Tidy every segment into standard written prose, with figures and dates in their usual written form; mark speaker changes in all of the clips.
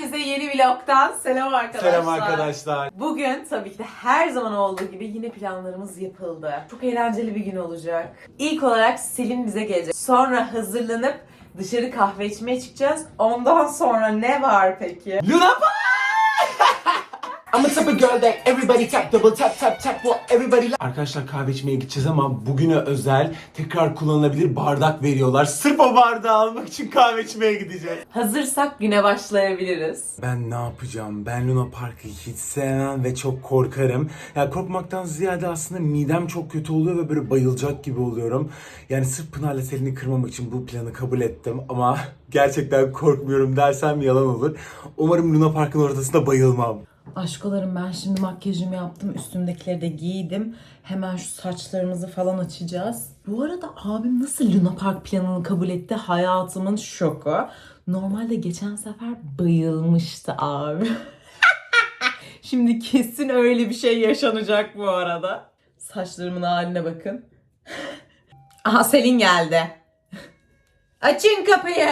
Speaker 1: Herkese yeni vlogtan selam arkadaşlar.
Speaker 2: Selam arkadaşlar.
Speaker 1: Bugün tabii ki de her zaman olduğu gibi yine planlarımız yapıldı. Çok eğlenceli bir gün olacak. İlk olarak Selin bize gelecek. Sonra hazırlanıp dışarı kahve içmeye çıkacağız. Ondan sonra ne var peki?
Speaker 2: Luna Park! I'm a type of girl that everybody tap, double tap tap tap, well everybody like. Arkadaşlar kahve içmeye gideceğiz ama bugüne özel tekrar kullanılabilir bardak veriyorlar. Sırf o bardağı almak için kahve içmeye gideceğiz.
Speaker 1: Hazırsak güne başlayabiliriz.
Speaker 2: Ben ne yapacağım? Ben Luna Park'ı hiç sevmem ve çok korkarım. Yani korkmaktan ziyade aslında midem çok kötü oluyor ve böyle bayılacak gibi oluyorum. Yani sırf Pınar'la Selin'i kırmamak için bu planı kabul ettim ama gerçekten korkmuyorum dersem yalan olur. Umarım Luna Park'ın ortasında bayılmam.
Speaker 1: Aşkolarım, ben şimdi makyajımı yaptım. Üstümdekileri de giydim. Hemen şu saçlarımızı falan açacağız. Bu arada abim nasıl Luna Park planını kabul etti? Hayatımın şoku. Normalde geçen sefer bayılmıştı abi. Şimdi kesin öyle bir şey yaşanacak bu arada. Saçlarımın haline bakın. Aha, Selin geldi. Açın kapıyı.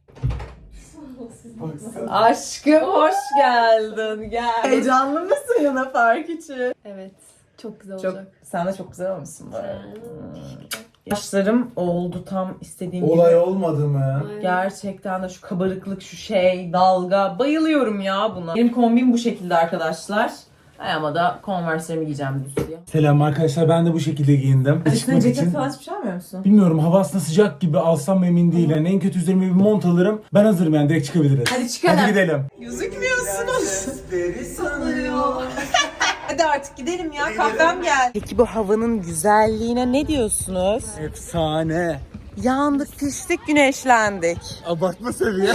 Speaker 1: Aşkım hoş geldin. Gel. Heyecanlı mısın Luna Park için?
Speaker 3: Evet. Çok güzel
Speaker 1: Çok,
Speaker 3: olacak.
Speaker 1: sen de çok güzel olmuşsun bu arada. Saçlarım oldu tam istediğim
Speaker 2: Olay
Speaker 1: gibi.
Speaker 2: olmadı mı?
Speaker 1: Gerçekten de şu kabarıklık, şu şey, dalga. Bayılıyorum ya buna. Benim kombim bu şekilde arkadaşlar. Ayağıma da Converse'lerimi giyeceğim düz diye.
Speaker 2: Selam arkadaşlar, ben de bu şekilde giyindim.
Speaker 1: Üstüne
Speaker 2: Çıkmak
Speaker 1: ceket
Speaker 2: için.
Speaker 1: falan hiçbir şey almıyor musun?
Speaker 2: Bilmiyorum, hava aslında sıcak gibi, alsam emin değilim. En kötü üzerime bir mont alırım. Ben hazırım, yani direkt çıkabiliriz.
Speaker 1: Hadi çıkalım.
Speaker 2: Hadi gidelim.
Speaker 1: Gözükmüyorsunuz. Hadi artık gidelim ya, kahvem geldi. Peki bu havanın güzelliğine ne diyorsunuz?
Speaker 2: Efsane.
Speaker 1: Yandık, piştik, güneşlendik.
Speaker 2: Abartma seviye.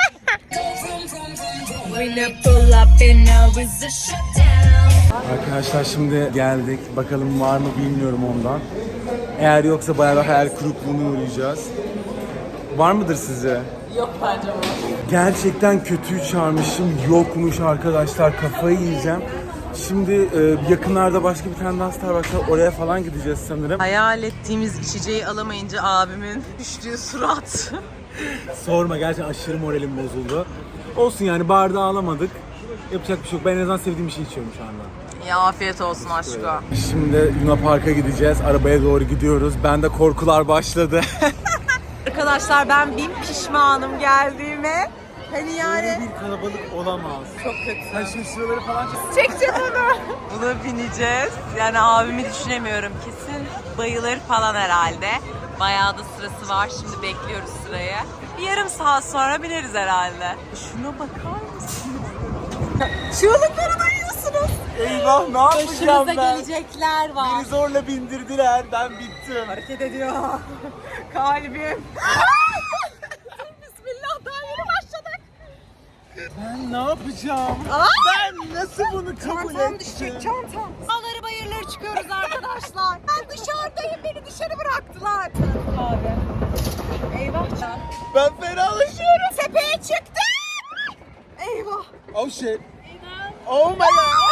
Speaker 2: Arkadaşlar şimdi geldik. Bakalım var mı bilmiyorum ondan. Eğer yoksa bayağı bir hayal kırıklığına uğrayacağız. Var mıdır sizce?
Speaker 1: Yok bence bu.
Speaker 2: Gerçekten kötüyü çağırmışım. Yokmuş arkadaşlar. Kafayı yiyeceğim. Şimdi yakınlarda başka bir tane daha Starbucks var. Oraya falan gideceğiz sanırım.
Speaker 1: Hayal ettiğimiz içeceği alamayınca abimin düştüğü surat.
Speaker 2: Sorma, gerçekten aşırı moralim bozuldu. Olsun yani, bardağı alamadık. Yapacak bir şey yok. Ben en azından sevdiğim bir şey içiyorum şu anda.
Speaker 1: Ya afiyet olsun aşkım.
Speaker 2: Şimdi Luna Park'a gideceğiz. Arabaya doğru gidiyoruz. Bende korkular başladı.
Speaker 1: Arkadaşlar ben bin pişmanım geldiğime. Hani yani.
Speaker 2: Böyle bir kalabalık olamaz.
Speaker 1: Çok kötü.
Speaker 2: Sen şimdi şuraları falan çek.
Speaker 1: Çekeceğim onu. Buna bineceğiz. Yani abimi düşünemiyorum. Kesin bayılır falan herhalde. Bayağı da sırası var. Şimdi bekliyoruz sırayı. Bir yarım saat sonra bineriz herhalde. Şuna bakar mısın? Çığlıkları duyuyorsunuz.
Speaker 2: Eyvah, ne yapacağım ben?
Speaker 1: gelecekler var.
Speaker 2: Beni zorla bindirdiler. Ben bittim.
Speaker 1: Hareket ediyor. Kalbim. Bismillah, daha yeni başladık.
Speaker 2: Ben ne yapacağım? Ben nasıl bunu kabul ettim?
Speaker 1: Çantam. Dağları bayırları çıkıyoruz arkadaşlar. Ben dışarıdayım, beni dışarı bıraktılar. Abi. Eyvah.
Speaker 2: Ben fenalaşıyorum.
Speaker 1: Tepeye çıktım. Eyvah.
Speaker 2: Oh shit. Oh my god.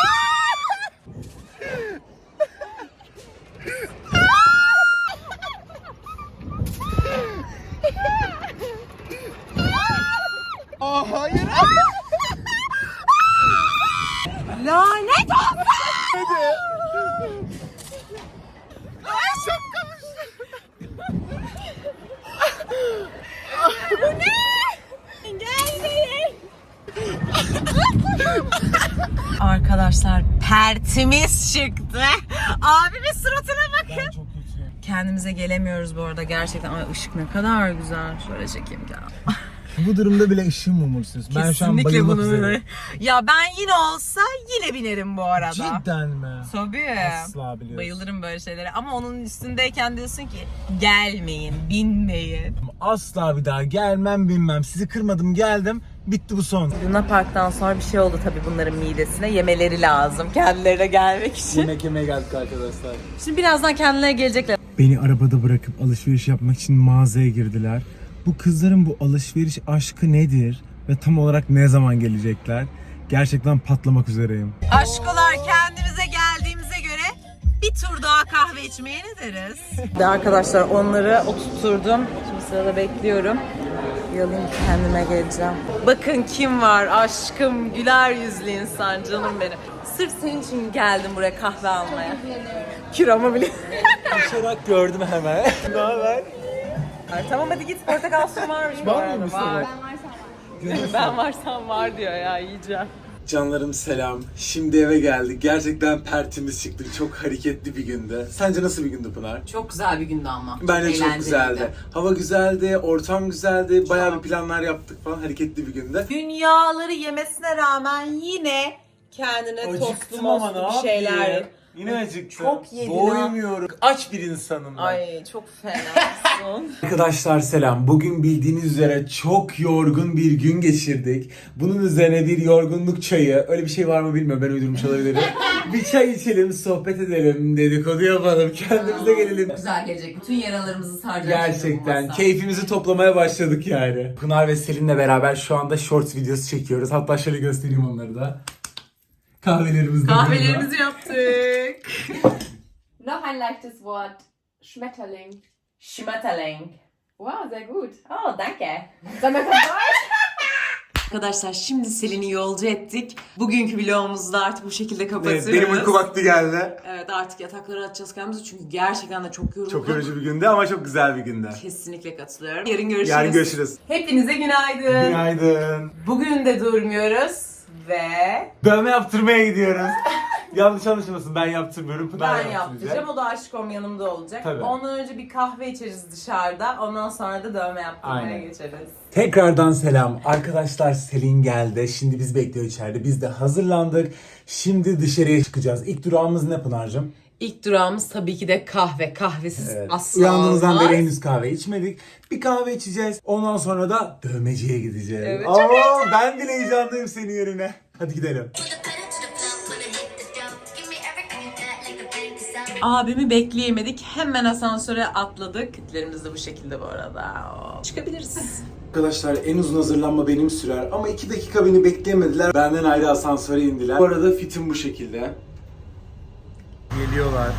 Speaker 2: Aa, hayır.
Speaker 1: Lanet olsun.
Speaker 2: Hadi.
Speaker 1: Ay çok Bu ne? Gelmeyin. Arkadaşlar pertimiz çıktı. Abimin suratına bakın.
Speaker 2: Ben çok kötüyüm.
Speaker 1: Kendimize gelemiyoruz bu arada gerçekten. Ay ışık ne kadar güzel. Şöyle çekeyim ya.
Speaker 2: Bu durumda bile ışığım mumursuz. Ben şu an bayılmak üzereyim.
Speaker 1: Ya ben yine olsa yine binerim bu arada.
Speaker 2: Cidden mi?
Speaker 1: Tabii.
Speaker 2: Asla biliyorsun.
Speaker 1: Bayılırım böyle şeylere. Ama onun üstündeyken diyorsun ki gelmeyin, binmeyin.
Speaker 2: Asla bir daha gelmem bilmem. Sizi kırmadım, geldim. Bitti bu son.
Speaker 1: Luna Park'tan sonra bir şey oldu tabii bunların midesine. Yemeleri lazım kendilerine gelmek için.
Speaker 2: Yemek yemeye geldik arkadaşlar.
Speaker 1: Şimdi birazdan kendilerine gelecekler.
Speaker 2: Beni arabada bırakıp alışveriş yapmak için mağazaya girdiler. Bu kızların bu alışveriş aşkı nedir? Ve tam olarak ne zaman gelecekler? Gerçekten patlamak üzereyim.
Speaker 1: Aşkolar, kendimize geldiğimize göre bir tur daha kahve içmeye ne deriz? Arkadaşlar onları oturtturdum. Şimdi sırada bekliyorum. yalayım kendime geleceğim. Bakın kim var aşkım, güler yüzlü insan, canım benim. Sırf senin için geldim buraya kahve almaya. Kiramı bile.
Speaker 2: Koşarak gördüm hemen. Ne haber?
Speaker 1: Tamam hadi git, portakal suyu varmış bu
Speaker 2: Var
Speaker 1: arada.
Speaker 2: mıymış
Speaker 1: Var.
Speaker 2: sana?
Speaker 1: Ben varsam var diyor ya, yiyeceğim.
Speaker 2: Canlarım selam. Şimdi eve geldik. Gerçekten pertimiz çıktı. Çok hareketli bir gündü. Sence nasıl bir gündü Pınar?
Speaker 1: Çok güzel bir gündü ama.
Speaker 2: Bence çok
Speaker 1: eğlenceliydi.
Speaker 2: güzeldi. Hava güzeldi, ortam güzeldi. Bayağı bir planlar yaptık falan. Hareketli bir gündü.
Speaker 1: Dünyaları yemesine rağmen yine kendine tostlu mostlu bir şeyler.
Speaker 2: Yine acıktım.
Speaker 1: Çok yedin ha.
Speaker 2: Doymuyorum. Aç bir insanım ben.
Speaker 1: Ay çok fenasın.
Speaker 2: Arkadaşlar selam. Bugün bildiğiniz üzere çok yorgun bir gün geçirdik. Bunun üzerine bir yorgunluk çayı. Öyle bir şey var mı bilmiyorum. Ben uydurmuş olabilirim. Bir çay içelim, sohbet edelim, dedikodu yapalım, kendimize gelelim.
Speaker 1: Güzel gelecek. Bütün yaralarımızı saracak.
Speaker 2: Gerçekten keyfimizi toplamaya başladık yani. Pınar ve Selin'le beraber şu anda shorts videosu çekiyoruz. Hatta şöyle göstereyim onları da. Kahvelerimiz de
Speaker 1: Kahvelerimizi yaptık.
Speaker 3: Noch ein leichtes Wort. Schmetterling.
Speaker 1: Schmetterling.
Speaker 3: Wow, sehr gut.
Speaker 1: Oh, danke.
Speaker 3: Sollen wir von Deutsch?
Speaker 1: Arkadaşlar şimdi Selin'i yolcu ettik. Bugünkü vlogumuzu da artık bu şekilde kapatıyoruz.
Speaker 2: Evet, benim uyku vakti geldi.
Speaker 1: Evet, artık yataklara atacağız kendimizi çünkü gerçekten de çok yorulduk.
Speaker 2: Çok yorucu bir gündü ama çok güzel bir gündü.
Speaker 1: Kesinlikle katılıyorum. Yarın görüşürüz.
Speaker 2: Yarın görüşürüz.
Speaker 1: Hepinize günaydın.
Speaker 2: Günaydın.
Speaker 1: Bugün de durmuyoruz ve
Speaker 2: Dövme yaptırmaya gidiyoruz. Yanlış anlaşılmasın, ben yaptırmıyorum. Pınar
Speaker 1: ben
Speaker 2: yaptıracak.
Speaker 1: yaptıracağım. O da aşkım yanımda olacak.
Speaker 2: Tabii.
Speaker 1: Ondan önce bir kahve içeriz dışarıda. Ondan sonra da dövme yaptırmaya
Speaker 2: Aynen.
Speaker 1: geçeriz.
Speaker 2: Tekrardan selam. Arkadaşlar Selin geldi. Şimdi biz bekliyor içeride. Biz de hazırlandık. Şimdi dışarıya çıkacağız. İlk durağımız ne Pınar'cığım?
Speaker 1: İlk durağımız tabii ki de kahve. Kahvesiz
Speaker 2: Evet.
Speaker 1: asla
Speaker 2: Uyandığımızdan
Speaker 1: olmaz.
Speaker 2: beri henüz kahve içmedik. Bir kahve içeceğiz. Ondan sonra da dövmeciye gideceğiz.
Speaker 1: Evet, çok
Speaker 2: Aa, ben bile heyecanlıyım senin yerine. Hadi gidelim.
Speaker 1: Abimi bekleyemedik. Hemen asansöre atladık. Kitlerimiz de bu şekilde bu arada. Çıkabiliriz.
Speaker 2: Arkadaşlar en uzun hazırlanma benim sürer ama 2 dakika beni bekleyemediler. Benden ayrı asansöre indiler. Bu arada fitim bu şekilde. Geliyorlar.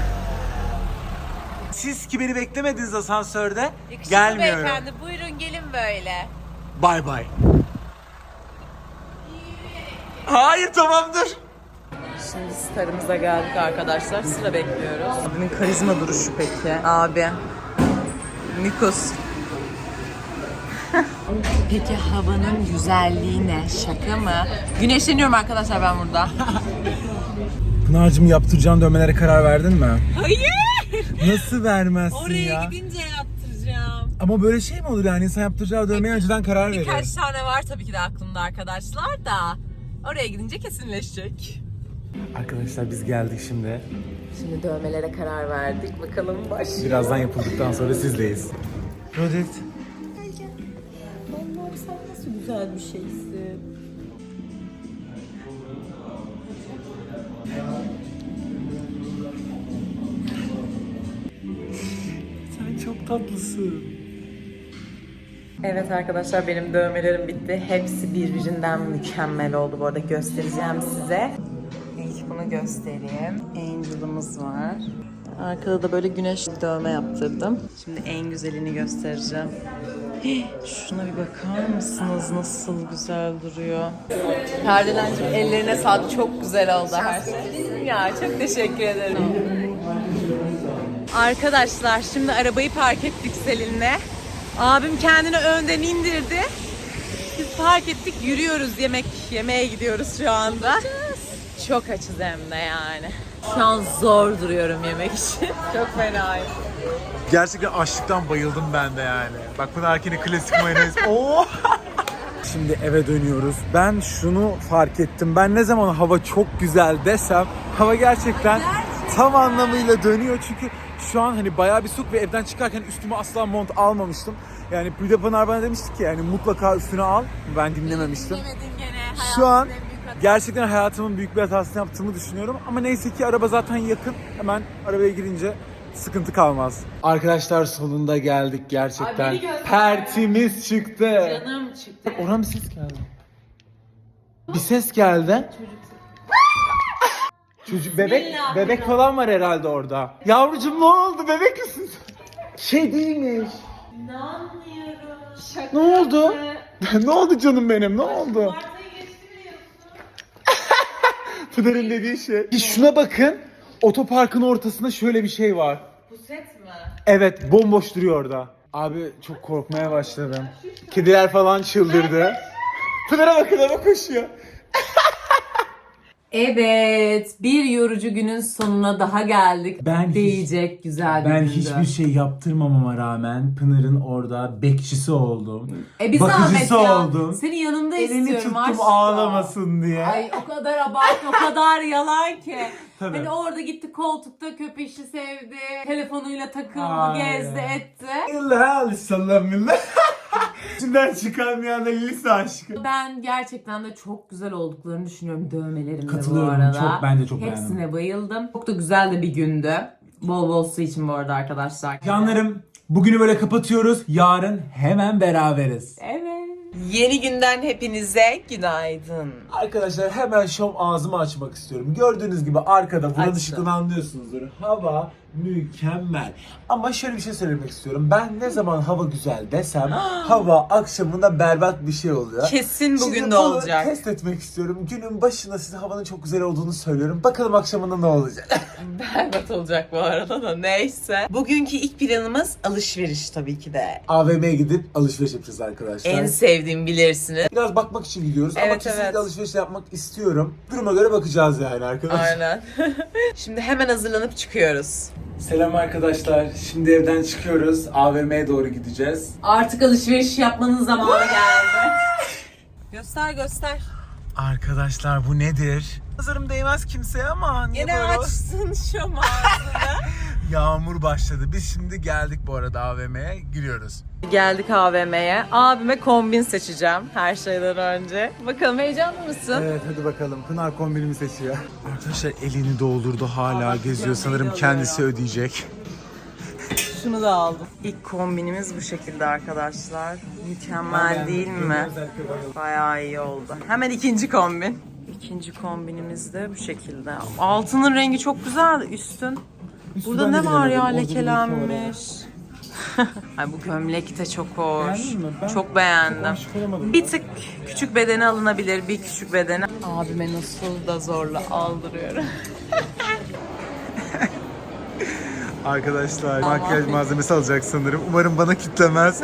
Speaker 2: Siz ki beni beklemediniz asansörde. Gelmiyorum.
Speaker 1: buyurun gelin böyle.
Speaker 2: Bay bay. Hayır tamamdır.
Speaker 1: Şimdi starımıza geldik arkadaşlar. Sıra bekliyoruz. Abimin karizma duruşu peki. Abi. Nikos. Peki havanın güzelliği ne? Şaka mı? Güneşleniyorum arkadaşlar ben burada.
Speaker 2: Pınar'cığım yaptıracağın dövmelere karar verdin mi?
Speaker 1: Hayır!
Speaker 2: Nasıl vermezsin
Speaker 1: Oraya
Speaker 2: ya?
Speaker 1: gidince yaptıracağım.
Speaker 2: Ama böyle şey mi olur yani? İnsan yaptıracağı dövmeye önceden karar verir.
Speaker 1: Birkaç tane var tabii ki de aklımda arkadaşlar da. Oraya gidince kesinleşecek.
Speaker 2: Arkadaşlar biz geldik şimdi.
Speaker 1: Şimdi dövmelere karar verdik. Bakalım başlıyor.
Speaker 2: Birazdan yapıldıktan sonra sizdeyiz. Rodet.
Speaker 1: Allah'ım sen nasıl güzel bir şeysin.
Speaker 2: Sen çok tatlısın.
Speaker 1: Evet arkadaşlar benim dövmelerim bitti. Hepsi birbirinden mükemmel oldu. Bu arada göstereceğim size. İlk bunu göstereyim. Angel'ımız var. Arkada da böyle güneş dövme yaptırdım. Şimdi en güzelini göstereceğim. Şuna bir bakar mısınız? Nasıl güzel duruyor. Kardelencim ellerine sağlık. Çok güzel oldu her şey. Ya çok teşekkür ederim. Arkadaşlar şimdi arabayı park ettik Selin'le. Abim kendini önden indirdi. Biz park ettik, yürüyoruz, yemek yemeye gidiyoruz şu anda. Çok açız hem de yani. Şu an zor duruyorum yemek için. Çok fenayım.
Speaker 2: Gerçekten açlıktan bayıldım ben de yani. Bak Pınar'kini klasik mayonez. Oo! Şimdi eve dönüyoruz. Ben şunu fark ettim. Ben ne zaman hava çok güzel desem hava gerçekten tam anlamıyla dönüyor. Çünkü şu an hani bayağı bir soğuk ve evden çıkarken üstüme asla mont almamıştım. Yani bir de Pınar bana demişti ki yani mutlaka üstüne al. Ben dinlememiştim. Şu an gerçekten hayatımın büyük bir hatasını yaptığımı düşünüyorum. Ama neyse ki araba zaten yakın. Hemen arabaya girince sıkıntı kalmaz. Arkadaşlar sonunda geldik gerçekten. Pertimiz çıktı.
Speaker 1: Canım çıktı.
Speaker 2: Ona bir ses geldi. Bir ses geldi. Çocuk bebek falan var herhalde orada. Yavrucuğum ne oldu? Bebek misin? Şey değilmiş.
Speaker 1: İnanmıyorum.
Speaker 2: Ne oldu? Ne oldu canım benim? Ne oldu? Pınar'ın dediği şey. Şuna bakın. Otoparkın ortasında şöyle bir şey var.
Speaker 1: Puset mi?
Speaker 2: Evet, bomboş duruyor orada. Abi çok korkmaya başladım. Kediler falan çıldırdı. Pınar'a bakın, ama koşuyor.
Speaker 1: Evet, bir yorucu günün sonuna daha geldik.
Speaker 2: Ben
Speaker 1: Diyecek güzel bir
Speaker 2: Ben
Speaker 1: gündü.
Speaker 2: hiçbir şey yaptırmamama rağmen Pınar'ın orada bekçisi oldum.
Speaker 1: Bir zahmet
Speaker 2: Bakıcısı
Speaker 1: ya.
Speaker 2: oldum.
Speaker 1: Senin yanında
Speaker 2: Elini
Speaker 1: istiyorum
Speaker 2: tuttum
Speaker 1: aşkım.
Speaker 2: ağlamasın diye.
Speaker 1: Ay o kadar abartma, o kadar yalan ki.
Speaker 2: Tabii.
Speaker 1: Hani orada gitti koltukta köpeşi sevdi, telefonuyla takıldı,
Speaker 2: Ay.
Speaker 1: gezdi, etti.
Speaker 2: İlla sallamillah. İçinden çıkarmayan da lise aşkı.
Speaker 1: Ben gerçekten de çok güzel olduklarını düşünüyorum dövmelerimde bu
Speaker 2: Katılıyorum,
Speaker 1: arada.
Speaker 2: ben de çok
Speaker 1: Hepsine
Speaker 2: beğendim.
Speaker 1: bayıldım. Çok da güzel de bir gündü. Bol bol su için bu arada arkadaşlar.
Speaker 2: Canlarım, bugünü böyle kapatıyoruz. Yarın hemen beraberiz.
Speaker 1: Evet. Yeni günden hepinize günaydın.
Speaker 2: Arkadaşlar hemen şom ağzımı açmak istiyorum. Gördüğünüz gibi arkada buranın
Speaker 1: Açtım.
Speaker 2: ışıkını anlıyorsunuzdur. Hava mükemmel. Ama şöyle bir şey söylemek istiyorum. Ben ne zaman hava güzel desem hava akşamında berbat bir şey oluyor.
Speaker 1: Kesin bugün
Speaker 2: Şimdi
Speaker 1: de
Speaker 2: bunu
Speaker 1: olacak.
Speaker 2: test etmek istiyorum. Günün başında size havanın çok güzel olduğunu söylüyorum. Bakalım akşamında ne olacak?
Speaker 1: Berbat olacak bu arada da neyse. Bugünkü ilk planımız alışveriş tabii ki de.
Speaker 2: AVM'ye gidip alışveriş yapacağız arkadaşlar.
Speaker 1: En sevdiğim bilirsiniz.
Speaker 2: Biraz bakmak için gidiyoruz ama
Speaker 1: Evet,
Speaker 2: kesinlikle
Speaker 1: evet.
Speaker 2: alışveriş yapmak istiyorum. Duruma göre bakacağız yani arkadaşlar.
Speaker 1: Aynen. Şimdi hemen hazırlanıp çıkıyoruz.
Speaker 2: Selam arkadaşlar. Şimdi evden çıkıyoruz. AVM'ye doğru gideceğiz.
Speaker 1: Artık alışveriş yapmanın zamanı geldi. Göster.
Speaker 2: Arkadaşlar bu nedir? Nazarım değmez kimseye ama niye
Speaker 1: Yine
Speaker 2: böyle?
Speaker 1: açtın şu mağazını.
Speaker 2: Yağmur başladı. Biz şimdi geldik bu arada AVM'ye. Giriyoruz.
Speaker 1: Geldik AVM'ye. Abime kombin seçeceğim her şeyden önce. Bakalım heyecanlı mısın?
Speaker 2: Evet hadi bakalım. Pınar kombinimi seçiyor. Arkadaşlar elini doldurdu hala geziyor. Sanırım kendisi ödeyecek.
Speaker 1: Şunu da aldım. İlk kombinimiz bu şekilde arkadaşlar. Mükemmel değil mi? Bayağı iyi oldu. Hemen ikinci kombin. İkinci kombinimiz de bu şekilde. Altının rengi çok güzel. Üstün. Burada ne var ya lekelenmiş. Ay bu gömlek de çok hoş.
Speaker 2: Beğendin mi? Ben
Speaker 1: çok beğendim.
Speaker 2: aşık olamadım.
Speaker 1: Bir tık küçük bedeni alınabilir. Bir küçük bedeni. Abime nasıl da zorla aldırıyorum.
Speaker 2: Arkadaşlar makyaj malzemesi alacak sanırım. Umarım bana kitlemez.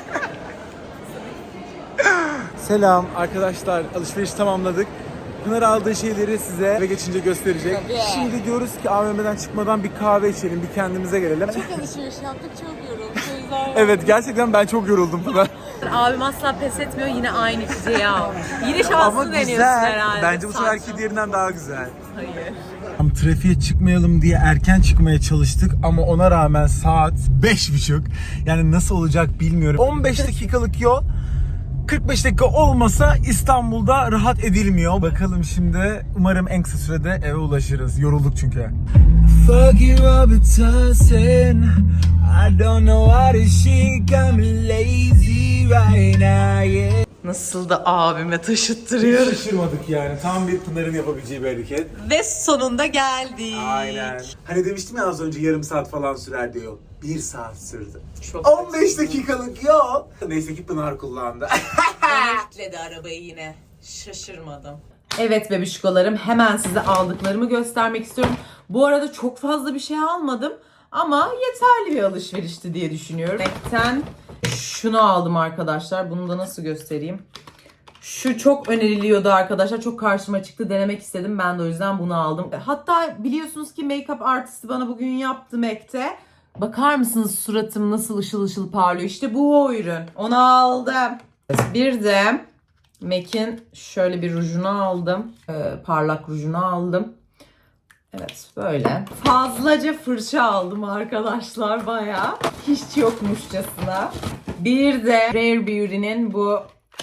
Speaker 2: Selam arkadaşlar, alışveriş tamamladık. Pınar aldığı şeyleri size eve geçince gösterecek.
Speaker 1: Tabii.
Speaker 2: Şimdi diyoruz ki AVM'den çıkmadan bir kahve içelim, bir kendimize gelelim.
Speaker 1: Alışveriş yaptık çok yorulduk. O yüzden
Speaker 2: Evet, gerçekten ben çok yoruldum Pınar.
Speaker 1: abim asla pes etmiyor, yine aynı içeceği al. Yine şanslı
Speaker 2: Ama
Speaker 1: deniyorsun
Speaker 2: güzel.
Speaker 1: herhalde.
Speaker 2: Bence bu seferki
Speaker 1: Saçma.
Speaker 2: diğerinden daha güzel.
Speaker 1: Hayır.
Speaker 2: Trafiğe çıkmayalım diye erken çıkmaya çalıştık ama ona rağmen saat 5.30. Yani nasıl olacak bilmiyorum. 15 dakikalık yol. 45 dakika olmasa İstanbul'da rahat edilmiyor. Bakalım şimdi. Umarım en kısa sürede eve ulaşırız. Yorulduk çünkü. Fuck you Robertson. I don't know what is she got me lazy right now, yeah.
Speaker 1: Nasıl da abime taşıttırıyor.
Speaker 2: Şaşırmadık yani. Tam bir Pınar'ın yapabileceği bir hareket.
Speaker 1: Ve sonunda geldik.
Speaker 2: Aynen. Hani demiştim ya az önce yarım saat falan sürer diyor. 1 saat sürdü.
Speaker 1: Çok
Speaker 2: 15 dakikalık yol. Neyse ki Pınar kullandı.
Speaker 1: Bana kilitledi arabayı yine. Şaşırmadım. Evet bebişkolarım, hemen size aldıklarımı göstermek istiyorum. Bu arada çok fazla bir şey almadım ama yeterli bir alışverişti diye düşünüyorum. Renkten şunu aldım arkadaşlar. Bunu da nasıl göstereyim? Şu çok öneriliyordu arkadaşlar. Çok karşıma çıktı. Denemek istedim. Ben de o yüzden bunu aldım. Hatta biliyorsunuz ki make-up artisti bana bugün yaptı MAC'te. Bakar mısınız suratım nasıl ışıl ışıl parlıyor? İşte bu o ürün. Onu aldım. Bir de MAC'in şöyle bir rujunu aldım. Parlak rujunu aldım. Evet böyle. Fazlaca fırça aldım arkadaşlar bayağı. Hiç yokmuşçasına. Bir de Rare Beauty'nin bu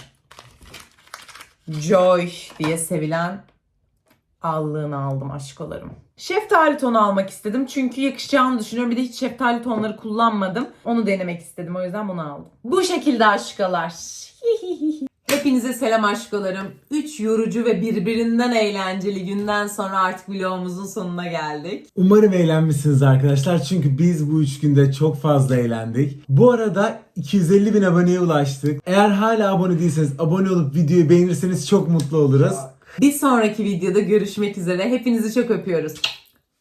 Speaker 1: Joy diye sevilen allığını aldım aşkolarım. Şeftali tonu almak istedim çünkü yakışacağını düşünüyorum. Bir de hiç şeftali tonları kullanmadım. Onu denemek istedim, o yüzden bunu aldım. Bu şekilde aşkalar. Hepinize selam aşkolarım. 3 yorucu ve birbirinden eğlenceli günden sonra artık vlogumuzun sonuna geldik.
Speaker 2: Umarım eğlenmişsiniz arkadaşlar. Çünkü biz bu 3 günde çok fazla eğlendik. Bu arada 250.000 aboneye ulaştık. Eğer hala abone değilseniz abone olup videoyu beğenirseniz çok mutlu oluruz.
Speaker 1: Bir sonraki videoda görüşmek üzere. Hepinizi çok öpüyoruz.